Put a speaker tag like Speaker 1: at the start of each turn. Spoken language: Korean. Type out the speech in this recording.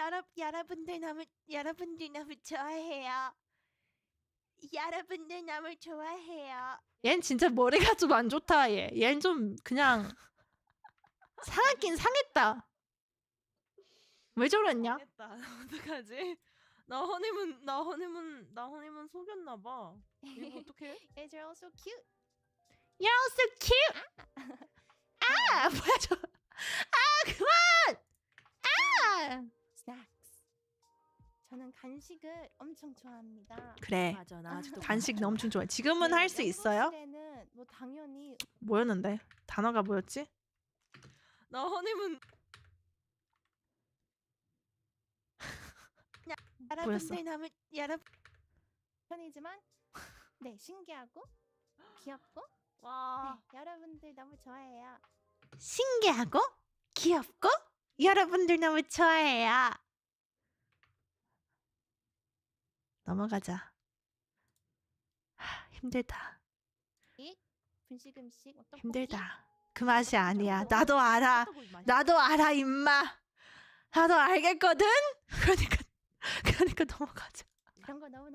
Speaker 1: 여러분들 너무 좋아해요. 여러분들 너무 좋아해요.
Speaker 2: 얜 진짜 머리가 좀 안 좋다. 얘는 좀 그냥 상했긴 상했다. 왜 저랬냐?
Speaker 3: 망했다. 어떡하지? 나 허니문 속였나봐. 이거 어떡해?
Speaker 1: Guys are also cute.
Speaker 2: You're so cute. 아 뭐야 저? 그만!
Speaker 1: Snacks. 저는 간식을 엄청 좋아합니다.
Speaker 2: 그래.
Speaker 3: 맞아, 나 아직도
Speaker 2: 간식 엄청 좋아해. 지금은 할 수 있어요?
Speaker 1: 연구실에는 뭐 당연히
Speaker 2: 뭐였는데? 단어가 뭐였지?
Speaker 3: 나 허니문
Speaker 1: 여러분들 너무 편이지만 네 신기하고 귀엽고
Speaker 3: 와.
Speaker 1: 네, 여러분들 너무 좋아해요.
Speaker 2: 신기하고 귀엽고 여러분들 너무 좋아해요. 넘어가자. 힘들다.
Speaker 1: 분식 음식 어떤
Speaker 2: 힘들다. 그 맛이 아니야. 나도 알아. 나도 알아 임마. 나도 알겠거든. 그러니까 넘어가자.
Speaker 1: 그런 거 너무